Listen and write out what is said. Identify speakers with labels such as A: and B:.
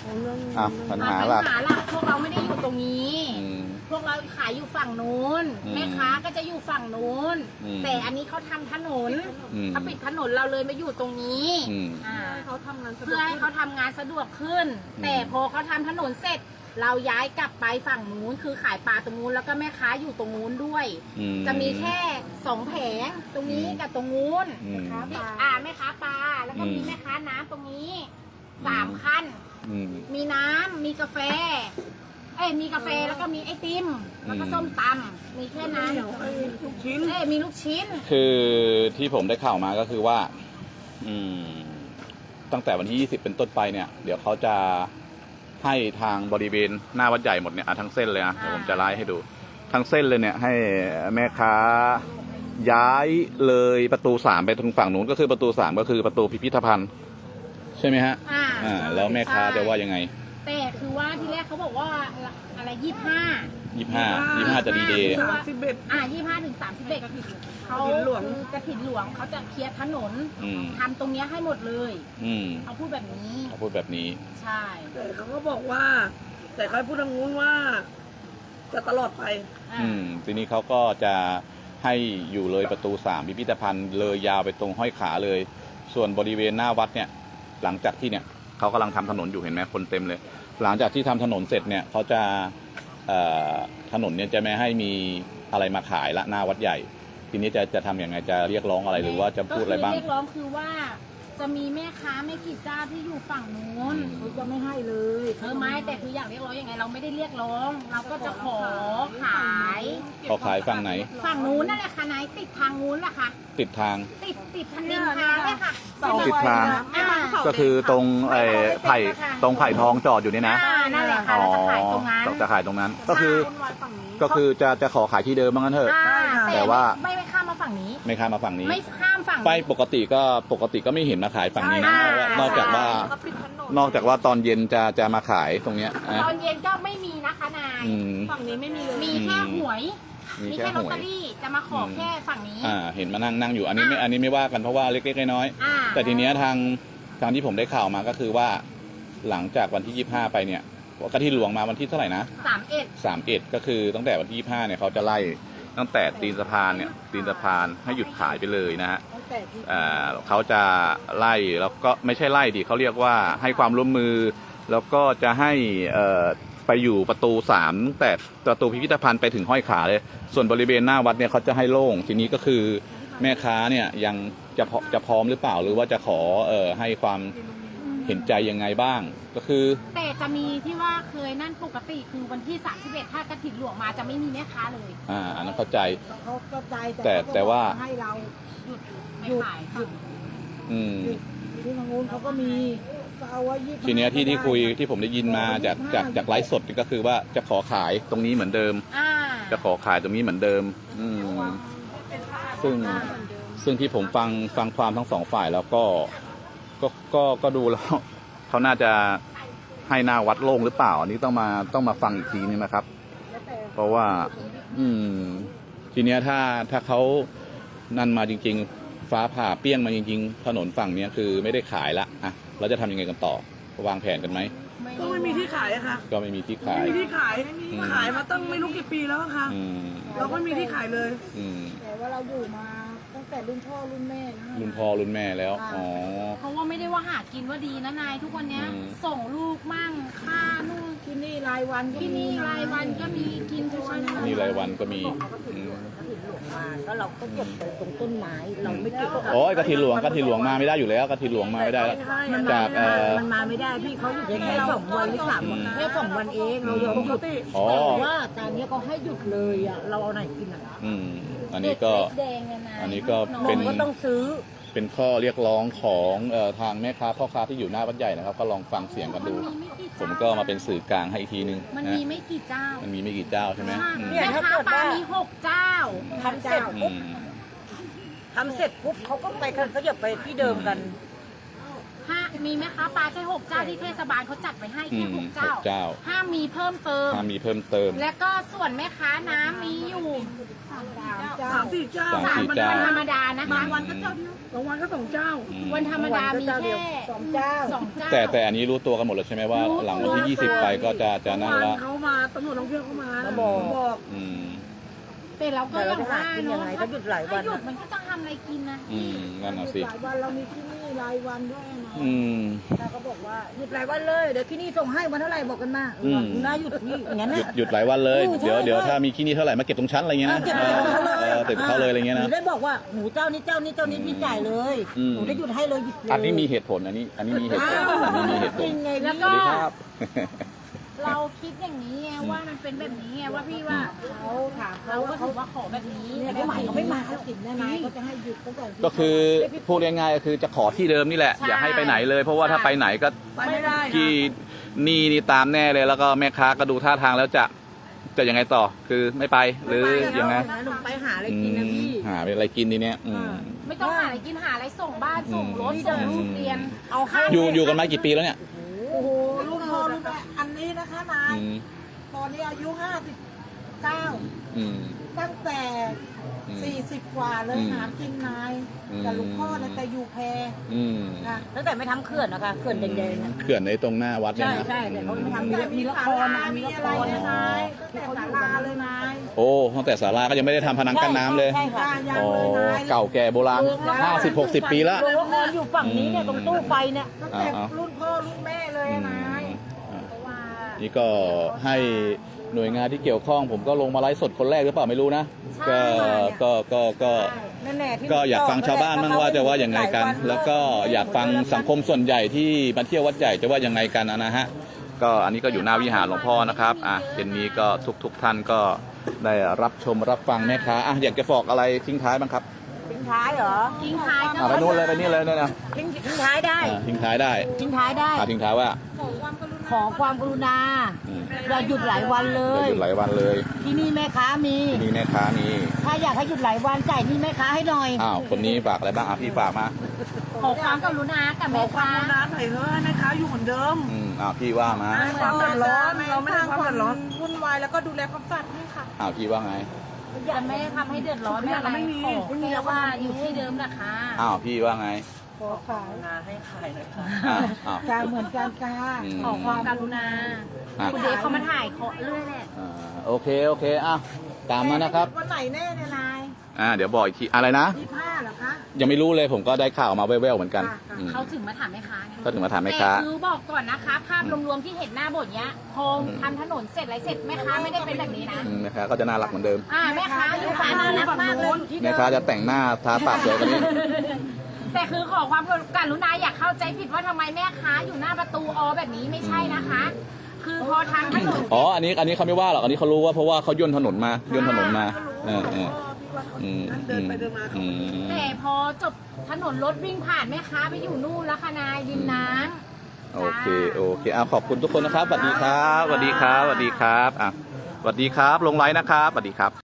A: ปัญหาหลัก
B: พวกเราไม่ได้อยู่ตรงนี้พวกเราขายอยู่ฝั่งนู้นแม่ค้าก็จะอยู่ฝั่งนู้นแต่อันนี้เขาทำถนนเขาปิดถนนเราเลยมาอยู่ตรงนี้เพื่อให้เขาทำงานสะดวกขึ้นแต่พอเขาทำถนนเสร็จเราย้ายกลับไปฝั่งนู้นคือขายปลาตรงนู้นแล้วก็แม่ค้าอยู่ตรงนู้นด้วยจะมีแค่2 แผงตรงนี้กับตรงนู้นแม่ค้าปลาแล้วก็มีแม่ค้าน้ำตรงนี้3 ขั้นมีน้ำมีกาแฟมีกาแฟแล้วก็มีไอติมแล้วก็ส้มตำมีแค่นั้นลูกชิ้นมีลูกชิ้น
A: คือที่ผมได้ข่าวมาก็คือว่าตั้งแต่วันที่20เป็นต้นไปเนี่ยเดี๋ยวเขาจะให้ทางบริเวณหน้าวัดใหญ่หมดเนี่ยทั้งเส้นเลยนะเดี๋ยวผมจะไล่ให้ดูทั้งเส้นเลยเนี่ยให้แม่ค้าย้ายเลยประตู3ไปทางฝั่งนู้นก็คือประตู3ก็คือประตูพิพิธภัณฑ์ใช่ไหมฮะแล้วแม่ค้าจะว่ายังไง
B: แต่คือว่าที่แรกเขาบอกว่าอะไร
A: 25จะดีเดย์
B: 25 ถึง 31เขากระถิ่นหลวงเขาจะเคลียร์ถนนทำตรงนี้ให้หมดเลยเขาพูดแบบนี้ใช่
C: แต่เขาก็บอกว่าแต่เขาพูดทางนู้นว่าจะตลอดไป
A: ทีนี้เขาก็จะให้อยู่เลยประตู3พิพิธภัณฑ์เลยยาวไปตรงห้อยขาเลยส่วนบริเวณหน้าวัดเนี่ยหลังจากที่เนี่ยเขากำลังทำถนนอยู่เห็นไหมคนเต็มเลยหลังจากที่ทำถนนเสร็จเนี่ยเขาจะถนนเนี่ยจะไม่ให้มีอะไรมาขายละหน้าวัดใหญ่ทีนี้จะทำยังไงจะเรียกร้องอะไรหรือว่าจะพูดอะไรบ้าง
B: เรียกร้องคือว่าจะมีแม่ค้าไม่กี่เจ้าที่อยู่ฝั่งนู้นเขาจะไม่ให้เลยไม่แต่คืออยากเรียกร้องยังไงเราไม่ได้เรียกร้องเราก็จะขาย
A: ฝั่งไหน
B: ฝั่งนู้นนั่นแหละค่ะนายติดทางนู้นแหละค่ะ
A: ติดทาง
B: ติดทางดินทางเลยค่ะ
A: ติดทางก็คือตรงไผ่ทองจอดอยู่นี่นะ
B: นั่นแหละค่ะเราจะขายตรงนั้น
A: จะขายตรงนั้นก็คือจะขอขายที่เดิมบ้างงั้นเถอะแต่ว่า
B: ไม่ข้ามมาฝั่งนี้
A: ไม่ข้ามมาฝั่งนี้
B: ไม่ข้ามฝั่ง
A: ไปปกติก็ไม่เห็นมาขายฝั่งนี้นะนอกจากว่าตอนเย็นจะมาขายตรงเนี้ย
B: ตอนเย็นก็ไม่มีนะคะนายฝั่งนี้ไม่มีเลยมีแค่หวยมีแค่ลอตเตอรี่จะมาขอแค่ฝั่งนี้
A: เห็นมานั่งอยู่อันนี้ไม่ว่ากันเพราะว่าเล็กๆน้อยๆแต่ทีเนี้ยทางที่ผมได้ข่าวมาก็คือว่าหลังจากวันที่25ไปเนี่ยกฐินหลวงมาวันที่เท่าไหร่นะ31ก็คือตั้งแต่วันที่25เนี่ยเขาจะไล่ตั้งแต่ตีนสะพานให้หยุดขายไปเลยนะฮะเขาจะไล่แล้วก็ไม่ใช่ไล่ดิเขาเรียกว่าให้ความร่วมมือแล้วก็จะให้ไปอยู่ประตู3แต่ประตูพิพิธภัณฑ์ไปถึงห้อยขาเลยส่วนบริเวณหน้าวัดเนี่ยเขาจะให้โล่งทีนี้ก็คือแม่ค้าเนี่ยยังจะพร้อมหรือเปล่าหรือว่าจะขอให้ความเห็นใจยังไงบ้างก็คือ
B: แต่จะมีที่ว่าเคยนั่นปกติคือวันที่31ถ้ากฐินหลวงมาจะไม่มีแม่ค้าเลย
A: อันนั้นเข้าใจ
C: เขาเข้าใจ
A: แต่ว่า
C: ให้เรา
B: หยุดขาย
C: ที่ทางนู้นเขาก็มี
A: ทีเนี้ยที่คุยที่ผมได้ยินมาจากไลฟ์สดก็คือว่าจะขอขายตรงนี้เหมือนเดิมจะขอขายตรงนี้เหมือนเดิมซึ่งที่ผมฟังความทั้ง2 ฝ่ายแล้วก็ดูแล้วเขาน่าจะให้หน้าวัดโล่งหรือเปล่าอันนี้ต้องมาฟังอีกทีนึงนะครับเพราะว่าทีเนี้ยถ้าเขานั่นมาจริงๆฟ้าผ่าเปี้ยงมาจริงๆถนนฝั่งนี้คือไม่ได้ขายละเราจะทำยังไงกันต่อวางแผนกันไหม
C: ก็ไม่มีที่ขายอะค่ะ
A: ก็ไม่มีที่ขาย
C: ขายมาตั้งไม่รู้กี่ปีแล้วค่ะเราก็มีที่ขายเลยแต่ว่าเราอยู่มาตั้งแต่รุ่นพ่อรุ่นแม่
A: แล้ว
B: เพราะว่าไม่ได้ว่าหากินว่าดีนะนายทุกวันนี้ส่งลูกมั่งค่านู่น
C: ที่นี่รายวัน
B: ที่นี่รายวันก็มีกินทุกวัน
A: นี่รายวันก็มี
C: แล้วเราก็เก็บตรงต้นไม้เราไม่เก็บ
A: กฐินหลวงมาไม่ได้อยู่แล้วกฐินหลวงมาไม่ได้
C: จากมันมาไม่ได้พี่เขาหยุดแค่2 วันหรือ3 วันแค่2 วันเองเรายอมหยุดแต่ว่าตอนนี้เขาให้หยุดเลยเราเอาไหนกิน
A: อันนี้ก็เป็น
C: ก็ต้องซื้อ
A: เป็นข้อเรียกร้องของทางแม่ค้าพ่อค้าที่อยู่หน้าวัดใหญ่นะครับก็ลองฟังเสียงกันดูผมก็มาเป็นสื่อกลางให้อีกทีนึง
B: มันมีไม่กี่เจ้า
A: ใช่ไหม
B: แม่ค้าปลามี6 เจ้า
C: ทำเสร็จปุ๊บเขาก็ไปเขาจะไปที่เดิมกัน
B: มีแม่ค้าปลาแค่6 เจ้าที่เทศบาลเขาจัดไว้ให้แค่6 เจ้า
A: เจ้า
B: ห้ามมีเพิ่มเติม
A: ถ้ามีเพิ่มเติม
B: แล้วก็ส่วนแม่ค้าน้ำมีอยู่
C: 3-4 เจ้า
A: สามสี่เจ้า
B: วันธรรมดานะคะ
C: วันก็เจ้าเดียวบางวันก็2 เจ้า
B: วันธรรมดามีแค่
C: 2 เจ้า
B: 2 เจ้า
A: แต่อันนี้รู้ตัวกันหมดแล้วใช่ไหมว่า
B: รู้ตัว
A: หลังวันที่ 20 ไปก็จะนั่นละ
C: เขามาตำรวจท่องเที่ยวเขามา
D: บอก
A: อืม
B: แต่เราก็อย่างว่า
D: แต่เราจะหากินยังไงถ้าหยุดหลายวัน
B: ถ้าหยุดมันก็จะทำอะไรกินนะ
A: นั่นน่ะสิ
C: หลายวันเรามีที่นี่รายวันด้วยนะ
A: อืม
C: แล้วก็บอกว่าหยุดหลายวันเลยเดี๋ยวที่นี่ส่งให้วันเท่าไหร่บอกกันมา
A: อืม
C: น่าหยุดที่อย่างนั้น
A: หยุดหลายวันเลย
C: ใช่
A: เดี๋ยวถ้ามีขี้นี่เท่าไหร่มาเก็บตรงชั้นอะไรเงี้ยนะ
C: เก็บไปของเขาเลย
A: เก็บเขาเลยอะไรเงี้ย
C: ห
A: นะ
C: นูได้บอกว่าหนูเจ้านี้พี่จ่ายเลย
A: อืม
C: หนูได้หยุดให้เลยหยุดเลย
A: อันนี้มีเหตุผลอันนี้มีเหตุผลอันนี้มีเหตุผ
C: จริ
A: ล
C: งไง
B: แล้ว
A: ส
B: ก็
A: วัสดีครับ
B: เราคิดอย่างนี้ไงว่ามันเป็นแบบนี้ไงว่าพี่ว่า
C: เขาถาม
B: เรา
C: เขา
B: ก็
C: ว่าเขา
B: ถือว่าขอแบบนี้
C: เนี่ย
B: แต่
C: เขา
B: ไม่
C: ให
B: ให
C: ม่
B: ม่
C: เขา
B: เขา
C: ไม่
B: ไม่
C: มา
B: มา
C: เขาติดแน่นายเขาจะให้หยุดตั้งแต่
A: ก็คือพูดง่ายๆก็คือจะขอที่เดิมนี่แหละ อย่าให้ไปไหนเลย เพราะว่าถ้าไปไหนก็
C: ไปไม่ได้นะ
A: ที่นี่ตามแน่เลยแล้วก็แม่ค้าก็ดูท่าทางแล้วจะยังไงต่อ คือไม่ไปหรือยังไง
C: หนูไปหาอะไรกินนะพี่
A: หาอะไรกินทีเนี้ย
B: ไม่ต้องหาอะไรกินหาอะไรส่งบ้านส่งรถส่งลูกเรียน
C: เอาข้าว
A: อยู่กันมากี่ปีแล้วเนี่ย
C: โอ้โหลูกพ่อลูกแม่อันนี้นะคะนาย
A: อืม
C: ตอนนี้อายุ59
A: อืม
C: ตั้งแต่
A: อืม
C: 40 กว่าเลย
A: อืม
C: หากินนาย
A: อืม
C: กับลูกพ่อนะแต่อยู่แพ
A: อืม
C: ค่ะ
D: ตั้งแต่ไม่ทำเขื่อนนะคะเขื่อนแดงๆนะ
A: เขื่อนในตรงหน้าวัดเนี่ย
D: ใช่
A: นะ
D: ใช่แต่เขาไม่ทำ
C: มีละครมีอะไรนะนายตั้งแต่ศาลาเลยนาย
A: โอ้ตั้งแต่ศาลาก็ยังไม่ได้ทำพนังกั้นน้ำเลย
D: ใช่ค่ะ
C: ยัง
A: อ๋อ
C: เลยนาย
A: เก่าแก่โบราณ50-60 ปีแล้ว
D: โรงละครอยู่ฝั่งนี้เนี่ยตรงตู้ไฟเนี่ย
C: ตั้งแต่รุ่นพ่อรุ่นแม่เลยนาย
B: เพราะว่า
A: นี่ก็ให้หน่วยงานที่เกี่ยวข้อง ผมก็ลงมาไลฟ์สดคนแรกหรือเปล่าไม่รู้นะ ก็
C: นั่นแหละที่
A: ก็อยากฟังชาวบ้านบ้างว่าจะว่ายังไงกัน แล้วก็อยากฟังสังคมส่วนใหญ่ที่มาเที่ยววัดใหญ่จะว่ายังไงกันนะฮะ ก็อันนี้ก็อยู่หน้าวิหารหลวงพ่อนะครับเย็นนี้ก็ทุกท่านก็ได้รับชมรับฟังแม่ค้าอยากจะฝากอะไรทิ้งท้ายบ้างครับ
D: ทิ้งท้ายเหรอ
B: ทิ้งท้ายก็
A: ไปนู่นเลยไปนี่เลยเนี่ยนะ
D: ทิ้งท้ายได้
A: ทิ้งท้ายได้
D: ทิ้งท้ายได้
A: ทิ้งท้ายว่า
D: ขอความกรุณา
A: อืม
D: อย่าหยุดหลายวันเล
A: จะ
D: ย
A: หยุดหลายวันเลย
D: ที่นี่แม่ค้ามี
A: ที่นี่แม่ค้ามี
D: ถ้าอยากให้หยุดหลายวันจ่ายหนี่แม่ค้าให้หน่อย
A: คนนี้ฝากอะไรบ้างพี่ฝากมา
B: ขอความกรุณากับแม่ค้า
C: ร้านไหนเถอะให้แม่ค้าอยู่เหมือนเดิม
A: พี่ว่ามา
C: ความเดือดร้อนเราไม่ได้ความเดือดร้อนวุ่นวายแล้วก็ดูแลความสะอาดให้ค่ะ
A: พี่ว่าไง
B: จะไม่ทำให้เดือดร้อนไม่อะไร
C: ไม่มี
B: ขอแค่ว่าอยู่ที่เดิมนะคะ
A: พี่ว่าไง
C: ขอขาย
D: ให้ขายหน่อยค่ะ
C: กาเหมือนกันกา
B: ขอความกรุณา
A: อ่ะ
B: คุณเดชเขามาถ่ายเขาเรื่อยแหละ
A: โอเคตามนั้นนะครับ
C: วันไหนแน่เนี่ยนาย
A: เดี๋ยวบอกอีกทีอะไรนะ
C: 25เหรอคะ
A: ยังไม่รู้เลยผมก็ได้ข่าวมาแว่วๆเหมือนกัน
B: เขาถึงมาถามแม่ค้าไง
A: ก็ถึงมาถามแม่ค้า
B: แต่คือบอกก่อนนะคะภาพรวมๆที่เห็นหน้าบทเนี้ยพอทำถนนเสร็จอะไรเสร็จแม่ค้าไม่ได้เป็นแบบนี้นะ
A: แม่ค้าก็จะน่ารักเหมือนเดิม
B: แม่ค้าอยู่ฝั่งน่ารักมากเลย
A: แม่ค้าจะแต่งหน้าทาปากสวยกว่านี้
B: แต่คือขอความกรุณาอย่าเข้าใจผิดว่าทำไมแม่ค้าอยู่หน้าประตูแบบนี้ไม่ใช่นะคะ คือพอทางถนน
A: อันนี้เขาไม่ว่าหรอกอันนี้เขารู้ว่าเพราะว่าเขาย่นถนนมา
C: เดินไปเดินมา
B: แต่พอจบถนนรถวิ่งผ่านแม่ค้าไปอยู่นู่นแล้วค่ะนายริมน้ำ
A: โอเคขอบคุณทุกคนนะครับสวัสดีครับสวัสดีครับสวัสดีครับสวัสดีครับลงไลน์นะครับสวัสดีครับ